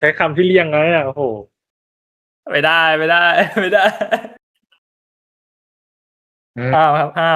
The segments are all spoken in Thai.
ใช้คำที่เลี่ยงไงอ่ะโอ้โหไม่ได้ไม่ได้ไม่ได้ห้ามครับห้าม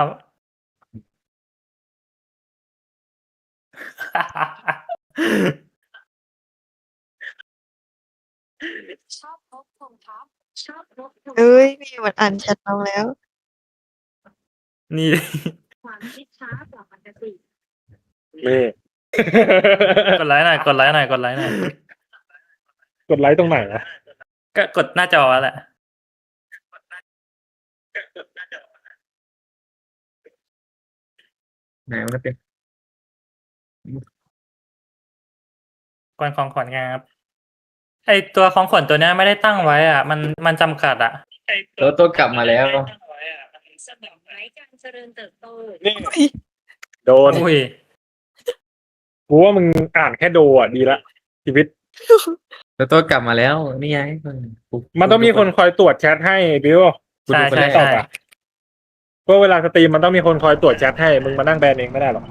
ชอบนกพงทับชอบนกพงเอ้ยมีมันอ่านแชทเราแล้วนี่ความคิดช้ากว่าปกตินี่กดไลค์หน่อยกดไลค์หน่อยกดไลค์หน่อยกดไลค์ตรงไหนอ่ะก็กดหน้าจอแหละไหนมันจะเป็นกวนของขวัญไงครับไอตัวของขวัญตัวเนี้ยไม่ได้ตั้งไว้อ่ะ มันจำกัดอ่ะตัวกลับมาแล้วสมองไร้การเจริญเติบโตนี่โดนอุ้ยกูว่ามึงอ่านแค่โดอ่ะดีละชีวิตตัวกลับมาแล้วนี่ไงมันต้องมีคนคอยตรวจแชทให้บิวใช่คนใช่ตอบใช่อ่ะก็เวลาสตรีมมันต้องมีคนคอยตรวจแชทให้มึงมานั่งแบนเองไม่ได้หรอก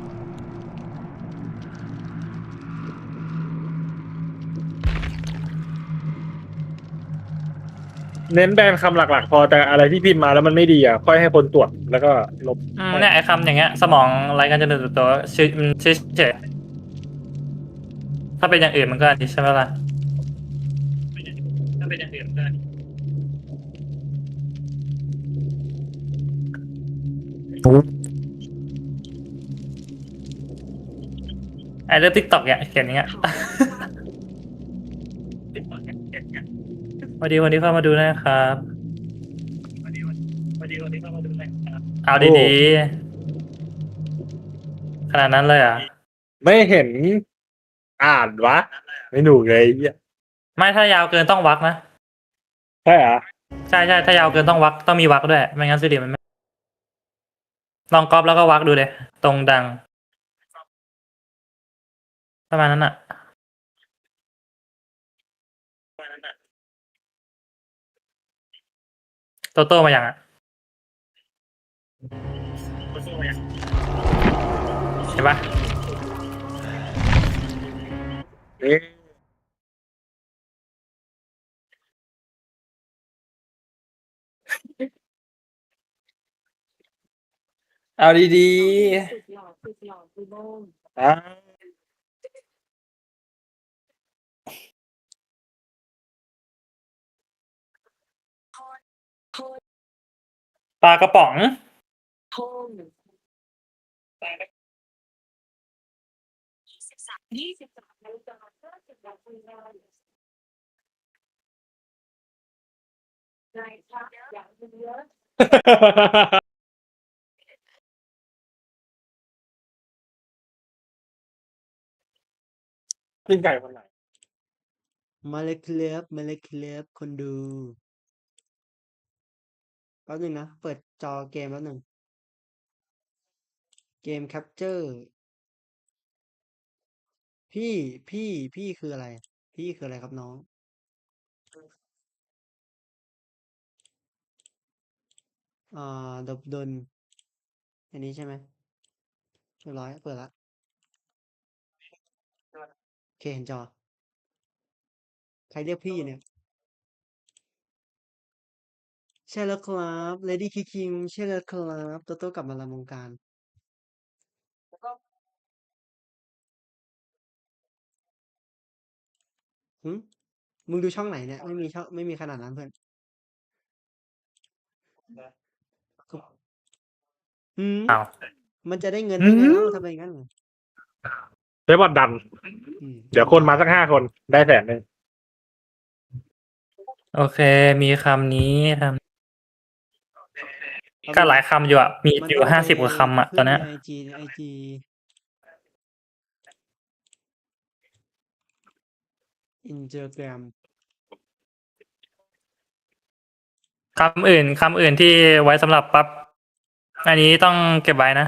เน้นแบนคำหลักๆ พอแต่อะไรที่พิมพ์มาแล้วมันไม่ดีอ่ะค่อยให้คนตรวจแล้วก็ลบเนี่ยไอคำอย่างเงี้ย สมองไร้การเจริญเติบโตชื่อมันชื่อเฉยถ้าเป็นอย่างอื่นมันก็อันนี้ใช่ไหมล่ะถ้าเป็นอย่างอื่นก็ไอเรื่องทิกตอกเนี่ยเขียนอย่างเงี้ย วันนี้เข้ามาดูนะครับเอาดีๆขนาดนั้นเลยอ่ะไม่เห็นอ่านวะไม่หนูเลยไอ้เหี้ยไม่ถ้ายาวเกินต้องวักนะใช่เหรอใช่ถ้ายาวเกินต้องวักต้องมีวักด้วยไม่งั้นสิริมันไม่ลองก๊อปแล้วก็วักดูเลยตรงดังประมาณนั้นอ่ะโตโต้มาอย่างอ่ะเห็นปะนี่เอาดีสุดหล่อสุดหล่อสุดโบ้งอ่าๆปลากระป๋องโค้ง23 นาฬิกา50 นาทีนายครับอย่างเยอะปิ้งไก่คนไหนมาเลยครับคนดูแป๊บนึงนะ เปิดจอเกมแป๊บนึงเกมแคปเจอร์พี่คืออะไร พี่คืออะไรครับน้องดบดลอันนี้ใช่ไหมเรียบร้อยเปิดละโอเคเห็นจอ ใครเรียกพี่เนี่ย ใช่แล้วครับเลดี้คิงใช่แล้วครับโตโต้กลับมาละวงการหึมึงดูช่องไหนเนี่ย ไม่มีช่องไม่มีขนาดนั้นเพื่อนหืมอ้าวมันจะได้เงินได้ไงเล่าทำไมงั้นใช้บอทดันอืมเดี๋ยวคนมาสัก5 คนได้100,000 โอเค มีคำนี้คำก็หลายคำอยู่อ่ะมีอยู่50 กว่าคำอ่ะตอนเนี้ยไอจีอินสตาแกรมคำอื่นที่ไว้สำหรับปั๊บอันนี้ต้องเก็บไว้นะ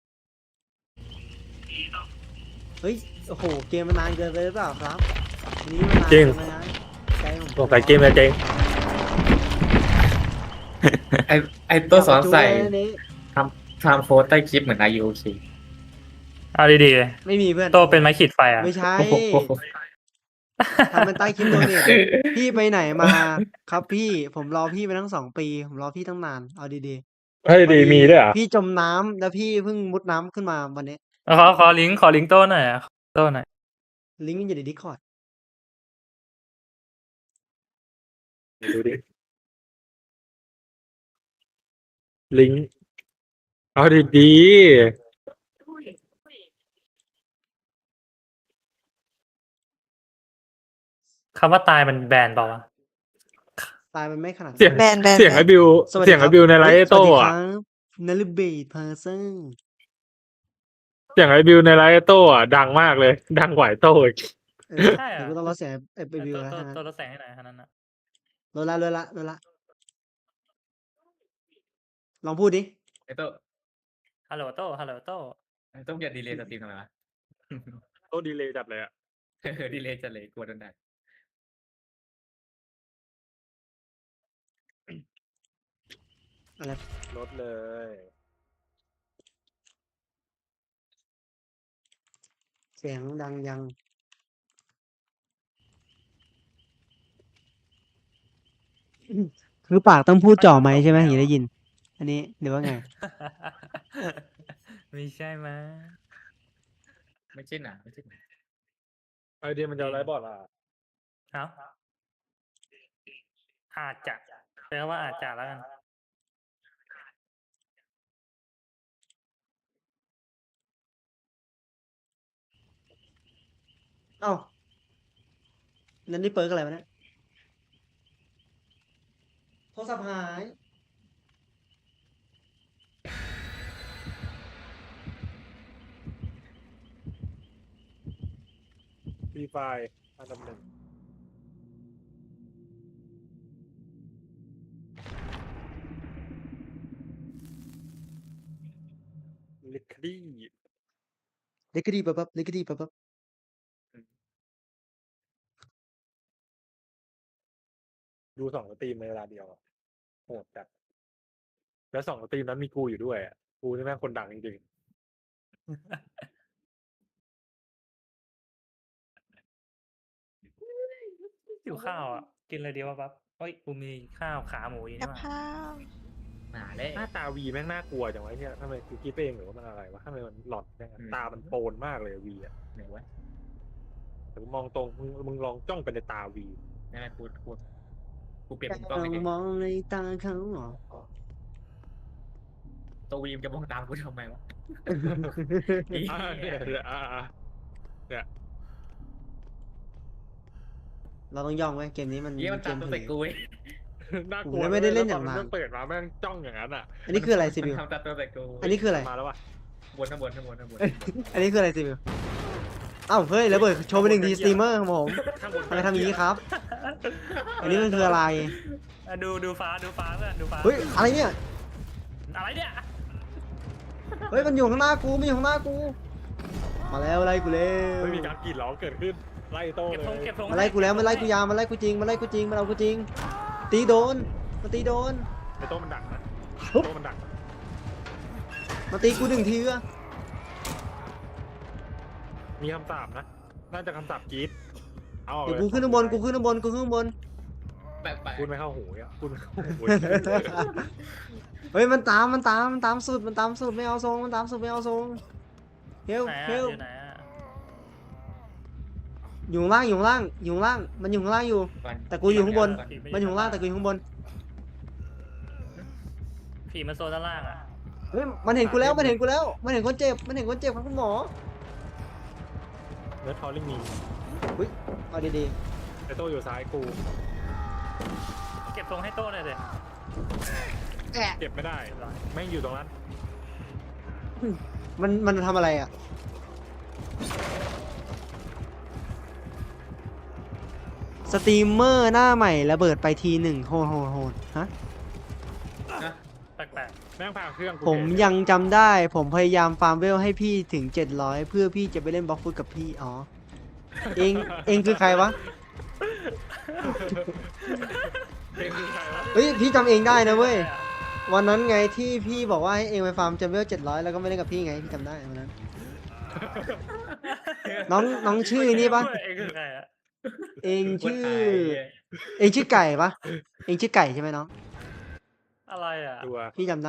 เฮ้ย โอ้โห เกมมันนานเกินไปหรือเปล่าครับอันนี้มันนานจริงเกินไปนะใจผมสงสัยเกมจะเจ๊งไอตัวสอนใส่จับประตูเลยอันนี้ทำโพสใต้คลิปเหมือน IUC เอาดีไม่มีเพื่อนๆโตเป็นไม้ขีดไฟอ่ะไม่ใช่โอ้โหทำเป็นใต้คลิปโดเนทพี่ไปไหนมาครับพี่ผมรอพี่มาตั้ง2 ปีผมรอพี่ตั้งนานเอาดีเฮ้ยๆพอดีมีด้วยเหรอ่ะพี่จมน้ำแล้วพี่เพิ่งมุดน้ำขึ้นมาวันนี้ขอลิงก์โต้หน่อยอ่ะโต้หน่อยลิงก์มันอยู่ใน Discord ดูดิ ลิงก์เอาดีคำว่าตายมันแบนเปล่าวะตายมันไม่ขนาดๆเสียงแบนแบนเสียงแบไอ้นบิวสวัสดีเสียงคไอ้รับบิวในไลฟ์เฮ้ยไอ้โต้สวัสดีคอะรับนลเบดเพอร์เซนเสียงไอ้บิวในไลฟ์ไอ้โต้อะดังมากเลย ดังกว่าไอ้โต้อีกใช่เหรอเดี๋ยวกูต้องลดเสียงไอ้บิวแล้วตัวทั้งนั้นตัวรถแสงให้หน่อยเท่านั้นนะลดละลองพูดดิไอ้โต้ฮัลโหลโต้ฮัลโหลโต้ไอ้โต้อย่าดีเลยสตรีมทำไมวะโต้ดีเลยจัดเลยอะดีเลยจะเลยกลัวโดนด่าอะไรลดเลยเสียงดังยังคือปากต้องพูดจ่อไหมค์ใช่ไหมถึงจะได้ยิน อันนี้หรือว่าไงไม่ใช่มั้ยไม่ใช่หนาไม่ใช่หนาไอเดียมันจะเอาไลฟ์บอร์ดอ่ะเอ้าอาจจะแปลว่าอาจจะแล้วกันเอ้านั่นนี่เปิร์กอะไรวะเนี่ยโทรศัพท์หายฟรีไฟอันดับหนึ่งลิคดี้เล็กก็ดีปั๊บเล็กก็ดีปั๊บดู2 สตรีมในเวลาเดียวอะโหดจัดแล้ว2 สตรีมนั้นมีกูอยู่ด้วยอะกูนี่แม่งคนดังจริงหิวข้าวอ่ะ กินอะไรดีวะปั๊บเฮ้ยกูมีข้าวขาหมูอยู่กันี่บหว่าข้าวหนาเลยๆหน้าตาวีแม่งน่ากลัวจังวะเนี่ยทำไมกูคิดไปเองหรือว่ามันอะไรวะทำไมมันหลอนจังอะตามันโปนมากเลยวีอะไหนวะแต่กูมองตรงมึงลองจ้องไปในตาวีนั่นแหละกูเปลี่ยนมุมกล้องเราไม่ได้มองในตาเขาเหรอตัววีมจะมองตามกูทำไมวะเนี่ยเนี่ยเราต้องย่องไว้เกมนี้มันเยี่ยมันเกตามมตัวผีใส่กูเว้ยน่ากลัวผมไม่ได้เล่นอย่างนั้นั้นเปิดมาแม่งจ้องอย่างนั้นอ่ะอันนี้คืออะไรซีมันบิวทำตามตัวใส่กูอันนี้คืออะไรมาแล้ววะข้างบนอันนี้คืออะไรซีบิวอ้าวเฮ้ยแล้วเบิดโชว์ไป1 ทีสตรีมเมอร์ของผมข้างบนทำไมทำอย่างนี้ครับ อันนี้มันคืออะไรอ่ะดูฟ้าเพื่อนดูฟ้าเฮ้ยอะไรเนี่ยอะไรเนี่ยเฮ้ยมันอยู่ข้างหน้ากูมันอยู่ข้างหน้ากู มาแล้วไล่กูเร็วไม่มีการกรีดร้องเกิดขึ้นไล่โต้เก็บเลธงยเก็บธงมาไล่กูแล้วมาไล่กูยามมาไล่กูจริงมาไล่กูจริงมาเอากูจริง ตีโดนมาตีโดนไอ้โต้มันดักนะปุ๊บโต้มันดักมาตีกู1 ทีอะมีคำสาปนะน่าจะคำสาปกรีดเอาออกเดี๋ยวเลยกูขึ้นข้างบนกูขึ้นข้างบนกูขึ้นข้างบนแปะพูดไม่เข้าหูอ่ะพูดไม่เข้าหูเฮ้ยมันตามสุดมันตามสุดไม่เอาทรงมันตามสุดไม่เอาทรงเฮลไหนเฮอ่ะลอยู่ไหนอ่ะอยู่ข้างล่างอยู่ข้างล่างอยู่ข้างล่างมันอยู่ข้างล่างอยู่ แต่กูอยู่ข้างบน มันอยู่ข้างล่างแต่กูอยู่ข้างบนผีมันโซนด้านล่างอ่ะเฮ้ยมันเห็นกูแล้วมันเห็นกูแล้วมันเห็นคนเจ็บมันเห็นคนเจ็บครับคุณหมอเนื้อทอลลิ่งมีเอาดีไอ้โต้อยู่ซ้ายกูเก็บธงให้โต้หน่อยสิเก็บไม่ได้แม่งอยู่ตรงนั้นๆมันทำอะไรอ่ะสตรีมเมอร์หน้าใหม่ระเบิดไปที1โหดฮะแปลกแม่งพาเครื่องกูผมยังจำได้ผมพยายามฟาร์มเวลให้พี่ถึง700เพื่อพี่จะไปเล่นบล็อกฟุตกับพี่อ๋อเองคือใครวะเพลงคือใครวะเฮ้ยพี่จำเองได้นะเว้ยวันนั้นไงที่พี่บอกว่าให้เองไปฟาร์มจำเวล700แล้วก็ไม่เล่นกับพี่ไงพี่จำได้วันนั้น น้องชื่อนี่ปะเองคือใครอ่ะเองชื่อคนไทยเองชื่อไก่ปะเองชื่อไก่ใช่ไหมน้องอะไรอ่ะตัวพี่จำได้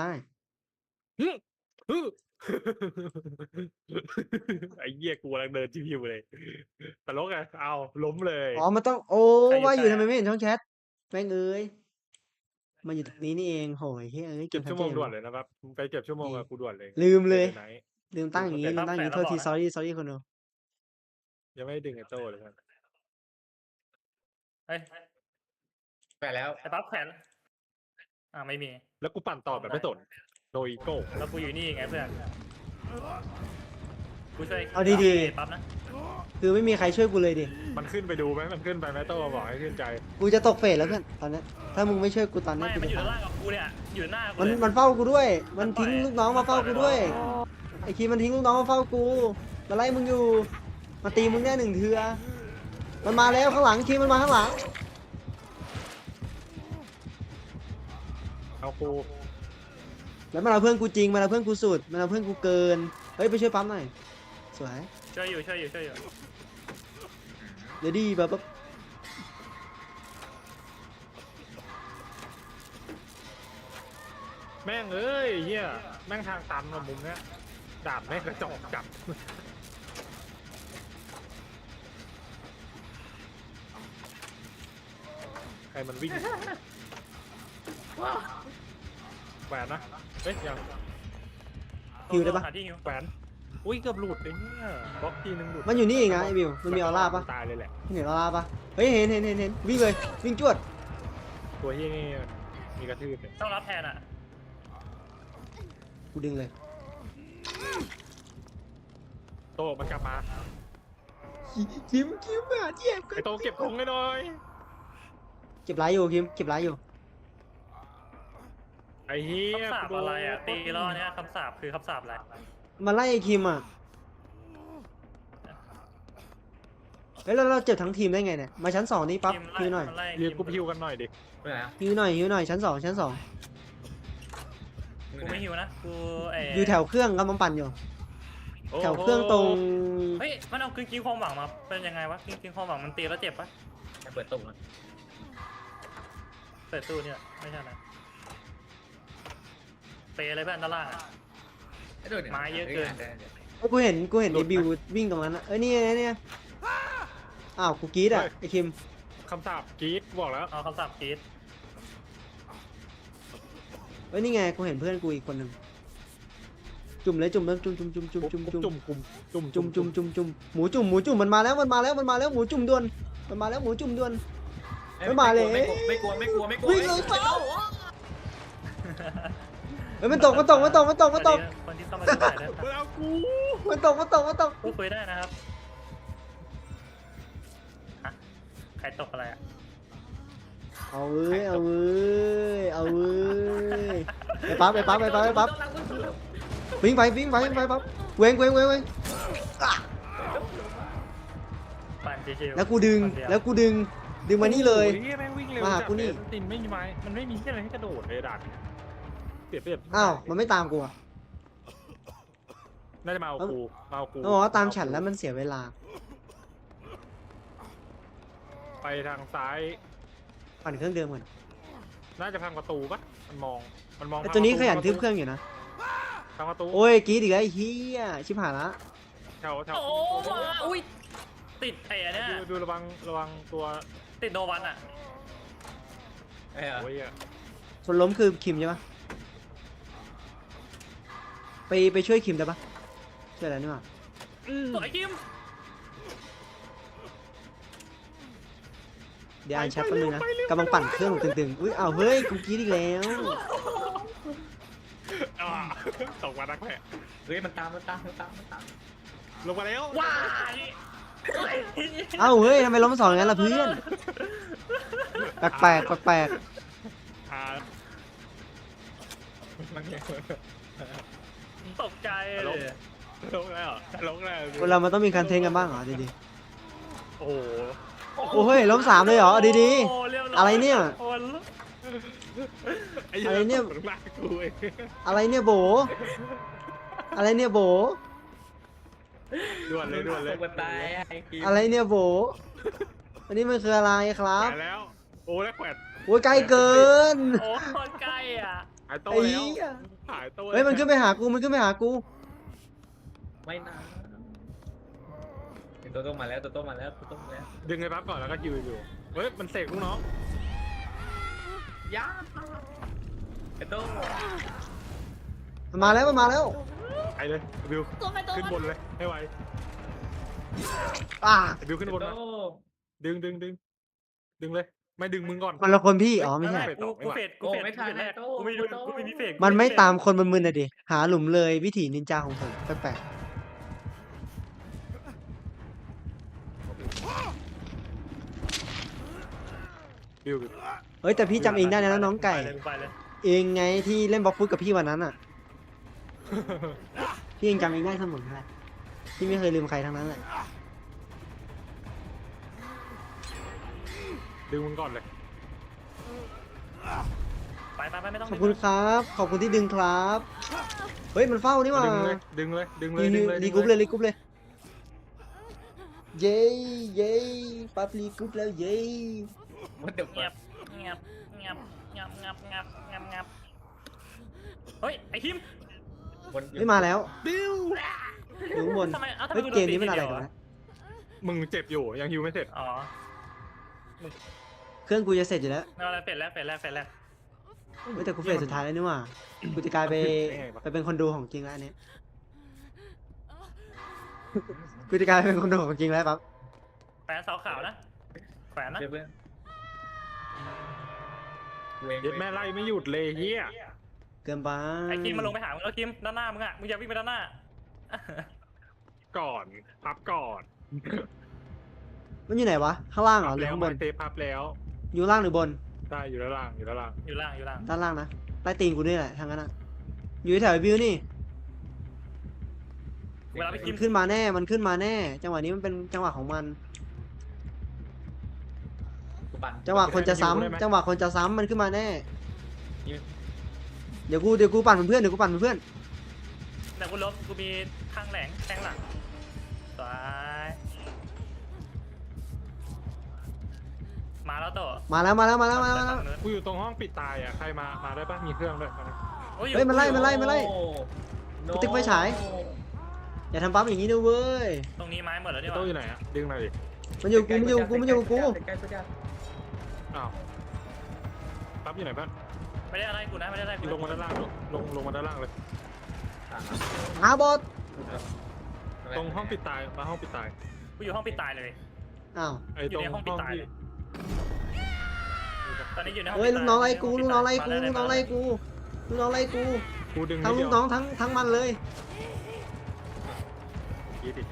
ไอ้เหี้ยกูกำลังเดินชิวๆเลยตลกอะเอาล้มเลยอ๋อมันต้องโอ้ใครอยู่ว่าอยู่ใครทำไมอะไม่เห็นช่องแชทแม่งเอ้ยมาอยู่ตรงนี้นี่เองโหยเฮ้ยเอ้ยเก็บทัชั่วโมงจด่วนเลยนะครับไปเก็บชั่วโมงกับกูด่วนเลยลืมเลยไหนลืมตั้งอย่างงี้ลืมตั้งอย่างงี้โทษที sorry คนดูยังไม่ได้ดึงไอ้โต้เลยครับเฮ้ยไปแล้วไอ้ปั๊บแขวนไม่มีแล้วกูปั่นต่อแบบไม่สนโดยอีโก้แล้วกูอยู่นี่ไงเพื่อนกูช่วยเอาดีๆปั๊บนะๆคือไม่มีใครช่วยกูเลยดิมันขึ้นไปดูไหมมันขึ้นไปไหมโต้บอกให้ขึ้นใจกูจะตกเฟสแล้วเพื่อนตอนเนี้ยถ้ามึงไม่ช่วยกูตอนเนี้ไม่ยกูมันอยู่จะด้านตายล่างกับกูเนี่ยอยู่หน้ากูมันเลยมันเฝ้ากูด้วย มันมันปล่อยทิ้งลูกน้องมาเฝ้ากูด้วย ไอ้คีมันทิ้งลูกน้องมาเฝ้ากูมาไล่มึงอยู่ มาตีมึงแน่หนึ่งเทือมันมาแล้วข้างหลังคีมันมาข้างหลังเอากูแล้วมันเอาเพื่อนกูจริงมันเอาเพื่อนกูสุดมันเอาเพื่อนกูเกินเฮ้ยไปช่วยปั๊มหน่อยสวยช่วยอยู่เดี๋ยวดีแบบแม่งเอ้ยเหี้ยแม่งทางตันมามุมเนี้ยดาบแม่งกระจอกจับใครมันวิ่งแหวนนะเฮ้ยยังฮิวได้ปะหาที่ฮิวแหวนอุ้ยเกือบหลุดเลยเนี่ยบล็อกทีนึงหลุดมันอยู่นี่เองนะไอ้บิวมันมีออร่าปะตายเลยแหละเห็นออร่าปะเฮ้ยเห็นวิ่งเลยวิ่งจวดตัวเฮี้ยนี่มีกระทืบเลยต้องรับแทนอ่ะกูดึงเลยโตมันกลับมาคิมอ่ะเจ็บไอโตเก็บธงให้หน่อยเก็บไรอยู่คิมเก็บไรอยู่ไอเฮี้ยคำสาปอะไรอ่ะตีล้อเนี้ยคำสาปคือคำสาปอะไรมาไล่ไอ้คิมอ่ะเฮ้ยแล้วเราเจ็บทั้งทีมได้ไงเนี่ยมาชั้น2นี่ปั๊บทีมไล่ฮิวหน่อยมันไล่เรียนกูพิวกันหน่อยดิไปแล้วฮิวหน่อยชั้น2 กูไม่ฮิวนะกูอยู่แถวเครื่องกำลังปั่นอยู่แถวเครื่องตรงเฮ้ยมันเอากินความหวังมาเป็นยังไงวะกินความหวังมันตีแล้วเจ็บปะจะเปิดตุ่มแล้วเปิดตู้เนี่ยไม่ใช่นะเปย์อะไรเพื่อนด้านล่างอ่ะโดนไม้เยอะเกินกูเห็นไอ้บิววิ่งตรงนั้นนะเนี่ยอ้าวกูกรีดอ่ะไอ้คิมคำสาปกรีดบอกแล้วเอาคำสาปกรีดเฮ้ยนี่ไงกูเห็นเพื่อนกูอีกคนหนึ่งจุ่มเลยจุ่มแล้วจุ่มหมูจุ่มมันมาแล้วหมูจุ่มด่วนมันมาแล้วหมูจุ่มด่วน ไม่มาเลยไม่กลัววิ่งเลยเปล่าเฮ้ยมันตกคนที่เข้ามาดูได้นะมันเอากูมันตกพูดคุยได้นะครับฮะใครตกอะไรอ่ะเอาเว้ยไปปั๊บวิ่งไปปั๊บเว้งปั่นชิวๆแล้วกูดึงมานี่เลยโอ้เฮี้ยแม่งวิ่งเร็วมาหากูนี่จัดเลยตินไม่มีไม้มันไม่มีอะไรให้กระโดดเลยดักเปรียบอ้าวมันไม่ตามกูอ่ะน่าจะมาเอากูต้องบอกว่าตามฉันแล้วมันเสียเวลาไปทางซ้ายปั่นเครื่องเดิมก่อนน่าจะพังประตูปะมันมองไอ้ตัวนี้ขยันทึบเครื่องอยู่นะพังประตูโอ้ยกรีดอีกแล้วไอ้เหี้ยชิบหายละแถวโอ้มาอุ้ยติดไอ้เนี่ยดูระวังตัวติดโนวันอ่ะโอ้ยอะคนล้มคือคิมใช่ปะไปช่วยคิมได้ปะช่วยอะไรนี่วะสวยคิมเดี๋ยวอ่านแชทแป๊บนึงนะกำลังปั่นเครื่องตึงอุ้ยเอาเฮ้ยกูกรีดอีกแล้วอ่าตกมานักแหละเฮ้ยมันตามลงมาแล้วว้ายเอ้าเฮ้ยทำไมล้มสองอย่างนั้นล่ะเพื่อนแปลกอ่ามันเนี่ยตกใจเลยลงแล้วคนเรามันต้องมีการเทรนกันบ้างเหรอดีโอ้โหๆโอ้เฮ้ยล้ม3เลยเหรอดีโอ้เรียบร้อะไรเนี่ยโอ้อะไรเนี่ยตกลากกูเองๆอะไรเนี่ยโบด่วนเลยตกไปไอ้กีอะไรเนี่ยโบอันนี้มันคืออะไรครัแขบวนแล้ว โอ้แล้วแขวนโอ้ยใกล้เกินโอ้โคตรใกล้อ่ะหายโต้ไอ้แล้วเหี้ยหายโต้เฮ้ยมันขึ้นไปหากูมันขึ้นไปหากูไม่นะตัวโตมาแล้วตัวโตมาแล้วตัวโตมาแล้วดึงไอ้ปั๊บก่อนแล้วก็ฮิวอยู่เฮ้ยมันเสกลูกน้องยาไอ้โตมันมาแล้วมันมาแล้วไปเลยบิวขึ้นบนเลยให้ไวอ่าบิวขึ้นบนไอ้มาโตดึงเลย ไม่ดึงมึงก่อนมันละคนพี่อ๋อไม่ใช่กูเฟดกูเฟดกูแรกกูไม่ดูกูไม่มีเฟกมันไม่ตามคนบนมือน่ะดิหาหลุมเลยวิถีนินจาของผมแปลกบิวๆเฮ้ยแต่พี่จำเองได้นะน้องไก่ไปเลยเองไงที่เล่นบล็อกฟุตกับพี่วันนั้นอ่ะ พี่ยังจำเองได้เสมอเลยพี่ไม่เคยลืมใครทั้งนั้นแหละดึงมึงก่อนเลยไปไม่ต้องขอบคุณครับ ขอบคุณที่ดึงครับ เฮ้ยมันเฝ้านี่หว่าดึงเลยรีกรุ๊ปเลยรีกรุ๊ปเลย เย้เย้ปั๊บรีกรุ๊ปแล้วเย้มันเดือดเงียบเงียบเงียบเงียบเงียบเงียบเงียบเงียบเฮ้ยไอ้คิมไม่มาแล้วบิวอยู่ข้างบนทำไมทำไมเฮ้ยกูโดเกนมนี้มันอะไรตีกันเดียวนะมึงเจ็บอยู่ยังฮิวไม่เสร็จอ๋อเครื่องกูจะเสร็จอยู่แล้วเอาอะไรเฟดแล้วเฮ้ยแต่กูเฟสสุดท้ายแล้วนี่หว่ากูจะกลายไปเป็นคนดูของจริงแล้วอันนี้กูจะกลายเป็นคนดูของจริงแล้วปั๊บแขวนเสาขาวนะแขวนนะเพื่อนเย็ดแม่ไล่ไม่หยุดเลยเฮียเกินไปไอ้คิมมาลงไปหามึงแล้วคิมด้านหน้ามึงอ่ะมึงอย่าวิ่งไปด้านหน้าก่อนพับก่อนมันอยู่ไหนวะข้างล่างเหรอหรือแล้วข้างบนเซฟพับแล้วอยู่ล่างหรือบนได้อยู่ด้านล่างอยู่ด้านล่างอยู่ล่างอยู่ล่างด้านล่างนะใต้ตีนกูนี่แหละทางนั้นอ่ะอยู่แถวไอ้บิวนี่เวลาไปคิมัมนขึ้นมาแน่มันขึ้นมาแน่ จังหวะนี้มันเป็นจังหวะของมันกูปั่นจังหวะคนจะซ้ำจังหวะคนจะซ้ำมันขึ้นมาแน่ เดี๋ยวกูปั่นเป็นเพื่อนเดี๋ยวกูปั่นเป็นเพื่อนแต่กูล้มกูมีข้างแหลงแทงหลังสวยมาแล้วโตมาแล้วมาแล้วมาแล้วมาแล้วกูอยู่ตรงห้องปิดตายอ่ะใครมาได้ปะมีเครื่องด้วยมาโอ้เฮ้ยมันไล่มันไล่มันไล่โอ้กูติ๊กไฟฉาย อย่าทำปั๊บอย่างนี้ด้วยเว้ยตรงนี้ไม้หมดแล้วไอ้นี่หโต้ว่าอยู่ไหนอ่ะดึงหน่อยดิมันอยู่กูมันอยู่กูมันอยู่กูใกล้ๆใกล้อ้าวปั๊บอยู่ไหนบ้างไม่ได้อะไรกูนะไม่ได้อะไรกูลงมาด้านล่างลงมาด้านล่างเลยๆหาบอสตรงห้องปิดตายมาห้องปิดตายกูอยู่ห้องปิดตายเลยอ้าวไอ้อยู่ตรงในห้องปิดตายที่เลยตอนนี้อยู่ในห้องเฮ้ยปิดลูตากน้องไล่กูห้ลูกน้องไล่กูมาลูกน้องไล่กูลูกน้องไล่กูกูดึงทั้งนิลูดกเดียวน้องทั้งมันเลยยี่สิบ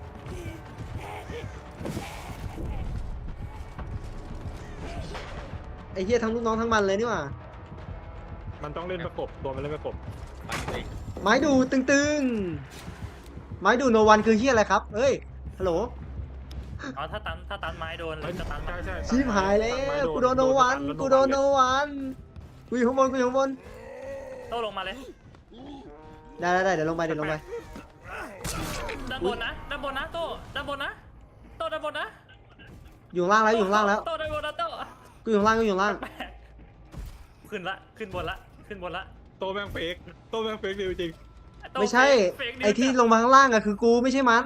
ไอ้เหี้ยทั้งลูกน้องทั้งมันเลยนี่หว่ามันต้องเล่นประกบตัวมันเล่นประกบปั่นเลยไม้ดูตึงๆไม้ดูโนวันคือเหี้ยอะไรครับเอ้ยฮัลโหลอ๋อถ้าตันไม้โดนหรือจะตันใช่ชิบหายแล้วกูโดนโนวันกูโดนโนวันกูอยู่ข้างบนกูอยู่ข้างบนโตลงมาเลยได้เดี๋ยวลงไปเดี๋ยวลงไปด้านบนนะด้านบนนะโตด้านบนนะโตด้านบนนะอยู่ข้างล่างแล้วอยู่ข้างล่างแล้วโตด้านบนนะโตกูอยู่ข้างล่างกูอยู่ข้างล่างขึ้นละขึ้นบนละโตแม่งเฟกโตแม่งเฟกจริงโตไม่ใช่เฟกนิวไอ้ที่ลงมาข้างล่างอะคือกูไม่ใช่มัน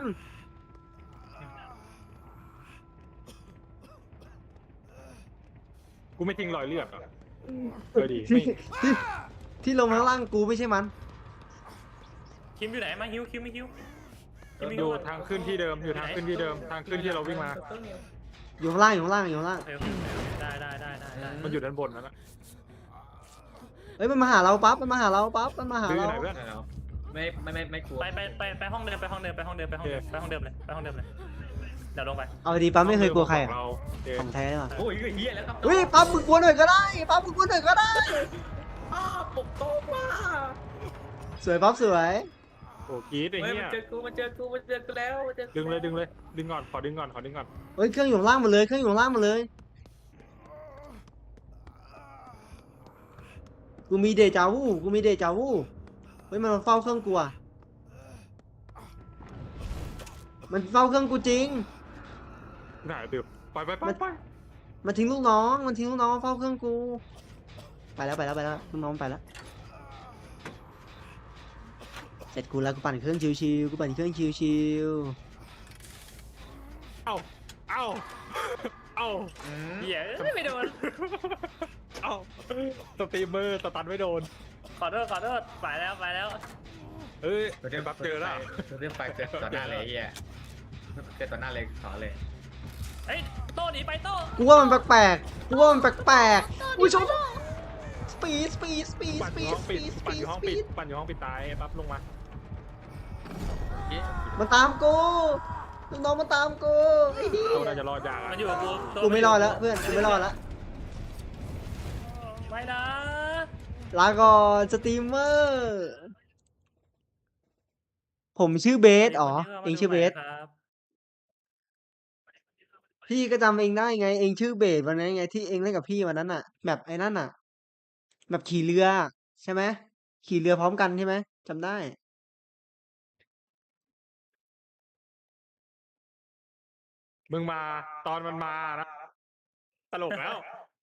กูไม่ทิ้งรอยเลือดอ่ะดีที่ลงมาข้างล่างกูไม่ใช่มันคิมอยู่ไหนมาฮิวคิมไม่ฮิวคิมไม่อฮิยู่วทางขึ้นที่เดิมอยู่ทางขึ้นที่เดิมทางขึ้นที่เราวิ่งมาอยู่ข้างล่างอยู่ข้างล่างอยู่ข้างล่างได้มันอยู่ด้านบนนั่นแหละเฮ้ยมันมาหาเราปั๊บมันมาหาเราปั๊บมันมาหาดื้อเราไหนเพื่อนไม่กลัวไปห้องเดิมไปห้องเดิมเลยเดี๋ยวลงไปเอาดีปั๊บไม่เคยกลัวใครอะเราโอเคของแท้เลยว่ะโอ้ยเฮียแล้วครับอุ้ยปั๊บมึงกลัวหน่อยก็ได้ปั๊บมึงกลัวหน่อยก็ได้ปกโตมาสวยปั๊บสวยโอ้กรีดไอ้เฮ้ยเหี้มันยเจอกูแล้วมันเจอกูดึงเลยดึงก่อนขอดึงก่อนเฮ้ยเครื่องอยู่ข้างล่างหมดเลยเครื่องอยู่ข้างล่างหมดเลยกูมีเดจาวูเฮ้ยมันมาเฝ้าเครื่องกูอะมันเฝ้าเครื่องกูจริงไหนดึบไปไปไปมันไปมันทิ้งลูกน้องมันทิ้งลูกน้องมาเฝ้าเครื่องกูไปแล้วลูกน้องไปแล้วเสร็จกูแล้วกูปั่นเครื่องชิวๆกูปั่นเครื่องชิวเอ้าเอ้าเอ้าเหี้ยไม่โดนเอ้าสตรีมเมอร์สตันไม่โดนขอโทษไปแล้วเอ้ยตัวเรื่องบัฟเจอแล้วตัวเรื่องไฟเกิดต่อหน้าเลยไอ้เฮียเกิดต่อหน้าเลยขอเลยเฮ้ยโต้หนีไปโต้ๆกูว่ามันแปลกๆกูว่ามันแปลกๆอุ้ยชนสปีดปั่นอยู่ห้องปิดปั่นอยู่ห้องปิดปั่นอยู่ห้องปิดตายปั๊บลงมามันตามกูลูกน้องมันตามกูไอ้เหี้โตยน่าจะรอดยากมันอะอยู่กับกูโต้กูไม่รอดแล้วเพื่อนกูไม่รอดแล้วไม่นะลาก่อนสตรีมเมอร์ผมชื่อเบสอ๋อเองชื่อเบสครับพี่ก็จำเองได้ไง เองชื่อเบสวันนั้นไงที่เองเล่นกับพี่วันนั้นน่ะแบบไอ้นั่นน่ะ แบบขี่เรือใช่ไหมขี่เรือพร้อมกันใช่ไหมจำได้มึงมาตอนมันมานะตลกแล้ว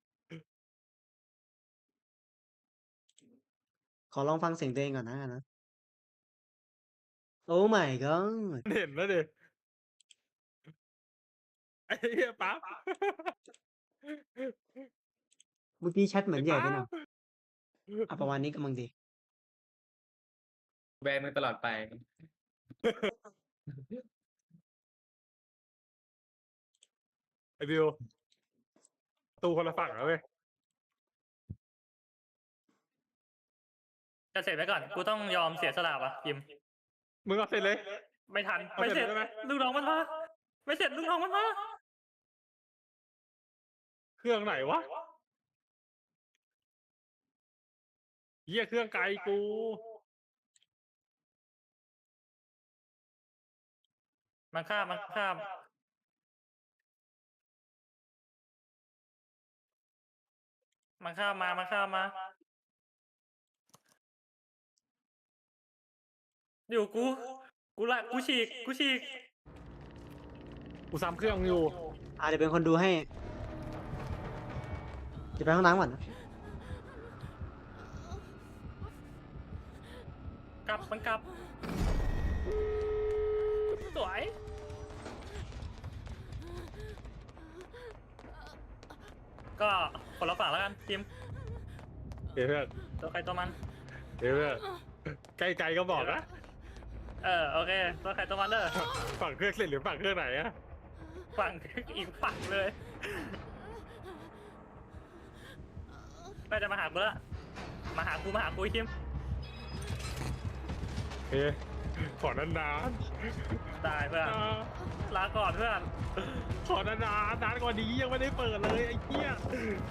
ขอลองฟังเสียงตัวเองก่อนนะโอ้ my god เห็นแล้วดิไอ้เหี้ยปั๊บเมื่อกี้แชทเหมือนใหญ่ไปหน่อยอ่ะประมาณนี้กำลังดีแบนมึงตลอดไปไอ้บิวตูคนละฝั่งแล้วเว้ยจะเสร็จไปก่อนกูต้องยอมเสียสละวะยิมมึงเอาเสร็จเลยไม่ทันเอาไม่เสเสร็ร็จจได้ไหมลูกน้องมันมาไม่เสร็จลูกน้องมันมาเครื่องไหนวะเหี้ยเครื่องไกลกูมันข้ามมันข้ามมาอยู่กูฉีกกูซ้ำเครื่องอยู่เดี๋ยวเป็นคนดูให้เดี๋ยวไปห้องน้ำก่อนนะมันกลับสวยก็คนละฝั่งแล้วกันทีมเดี๋ยวเพื่อนตัวใครตัวมันเดี๋ยวเพื่อนใกล้ๆก็บอกนะโอเคตัวใครตัวมันเด้อฝั่งเครื่องเสร็จหรือฝั่งเครื่องไหนอะฝั่งอีกฝั่งเลยน่าจะมาหากูละมาหากูไอ้ทีมเฮ้ยขอนานได้เพื่อนๆลาก่อนเพื่อนขอนานๆนานกว่านี้ยังไม่ได้เปิดเลยไอ้เหี้ย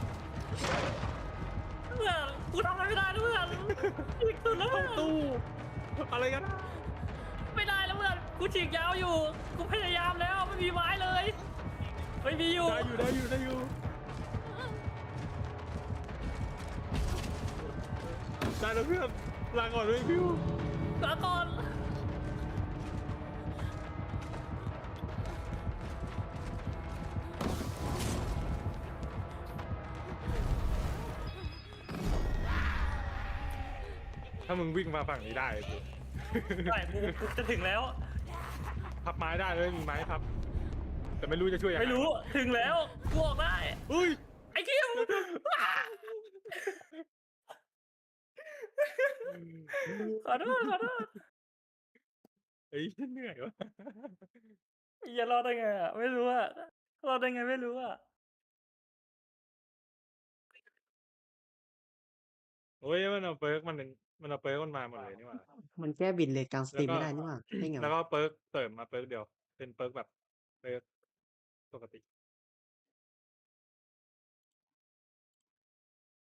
เพื่อนกูทำอะไรไม่ได้นะเพื่อนอีกสุดแล้วเข้าตู้อะไรกันไม่ได้แล้วเพื่อนกูฉีกยาวอยู่กูพยายามแล้วไม่มีไม้เลยไม่มีอยู่ได้อยู่ได้แล้วเพื่อนลาก่อนด้วยพิวลาก่อนถ้ามึงวิ่งมาฝั่งนี้ได้กูใช่กูจะถึงแล้วพับไม้ได้เลยมีไม้พับ แต่ไม่รู้จะช่วยยังไงไม่รู้ถึงแล้วกูออกได้อุ้ยไอ้คิม ขอโทษเฮ้ยเหนื่อยวะอย่ารอดได้ไงอ่ะไม่รู้อ่ะรอดได้ไงไม่รู้อ่ะโอ้ยมันเอาเปิร์กมันเอาเปิร์กมันมาหมดเลยนี่หว่ามันแก้บินเลทกลางสตรีมไม่ได้นี่หว่าได้ไงแล้ววะก็เปิร์กเสริมมาเปิร์กเดียว เป็นเปิร์กแบบเปิร์กปกติ